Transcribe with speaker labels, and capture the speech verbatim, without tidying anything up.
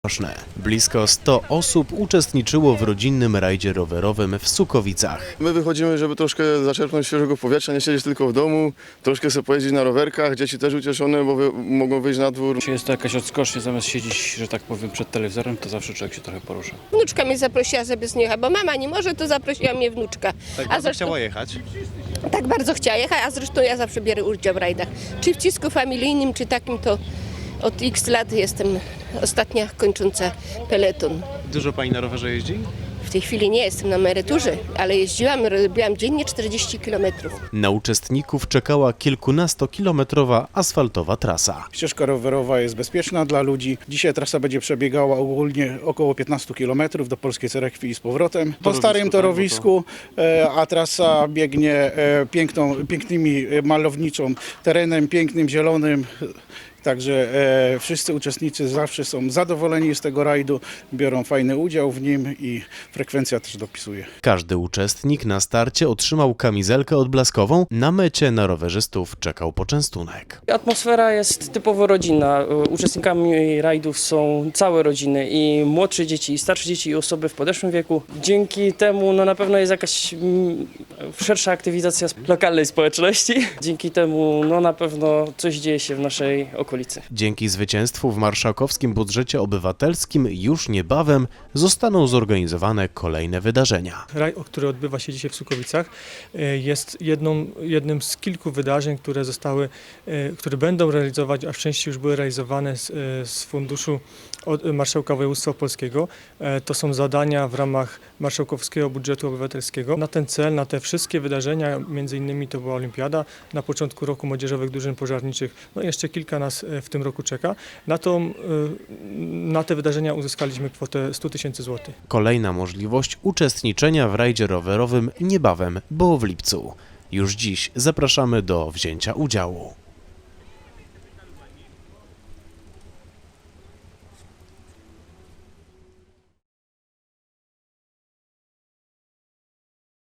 Speaker 1: Blisko sto osób uczestniczyło w rodzinnym rajdzie rowerowym w Sukowicach.
Speaker 2: My wychodzimy, żeby troszkę zaczerpnąć świeżego powietrza, nie siedzieć tylko w domu, troszkę sobie pojeździć na rowerkach, dzieci też ucieszone, bo wy, mogą wyjść na dwór.
Speaker 3: Jeśli jest to jakaś odskocznia, zamiast siedzieć, że tak powiem, przed telewizorem, to zawsze człowiek się trochę porusza.
Speaker 4: Wnuczka mnie zaprosiła, żeby z niej jechać, bo mama nie może, to zaprosiła mnie wnuczka.
Speaker 1: Tak
Speaker 4: a zresztą,
Speaker 1: chciała jechać?
Speaker 4: Tak bardzo chciała jechać, a zresztą ja zawsze biorę udział w rajdach. Czy w cisku familijnym, czy takim, to od x lat jestem ostatnia kończąca peleton.
Speaker 1: Dużo pani na rowerze jeździ?
Speaker 4: W tej chwili nie jestem na emeryturze, ale jeździłam, robiłam dziennie czterdzieści kilometrów.
Speaker 1: Na uczestników czekała kilkunastokilometrowa asfaltowa trasa.
Speaker 5: Ścieżka rowerowa jest bezpieczna dla ludzi. Dzisiaj trasa będzie przebiegała ogólnie około piętnaście kilometrów do Polskiej Cerekwi i z powrotem. Po starym torowisku, a trasa biegnie piękną, pięknymi malowniczą terenem, pięknym, zielonym. Także e, wszyscy uczestnicy zawsze są zadowoleni z tego rajdu, biorą fajny udział w nim i frekwencja też dopisuje.
Speaker 1: Każdy uczestnik na starcie otrzymał kamizelkę odblaskową, na mecie na rowerzystów czekał poczęstunek.
Speaker 6: Atmosfera jest typowo rodzinna. Uczestnikami rajdów są całe rodziny, i młodsze dzieci, i starsze dzieci, i osoby w podeszłym wieku. Dzięki temu no, na pewno jest jakaś mm, szersza aktywizacja lokalnej społeczności. Dzięki temu no, na pewno coś dzieje się w naszej okolicy.
Speaker 1: Dzięki zwycięstwu w marszałkowskim budżecie obywatelskim już niebawem zostaną zorganizowane kolejne wydarzenia.
Speaker 7: Raj, który odbywa się dzisiaj w Sukowicach, jest jedną, jednym z kilku wydarzeń, które zostały, które będą realizować, a w części już były realizowane z, z funduszu od Marszałka Województwa Opolskiego. To są zadania w ramach marszałkowskiego budżetu obywatelskiego. Na ten cel, na te wszystkie wydarzenia, między innymi to była olimpiada, na początku roku młodzieżowych drużyn pożarniczych, no jeszcze kilka nas w tym roku czeka. Na, to, na te wydarzenia uzyskaliśmy kwotę sto tysięcy złotych.
Speaker 1: Kolejna możliwość uczestniczenia w rajdzie rowerowym niebawem, bo w lipcu. Już dziś zapraszamy do wzięcia udziału.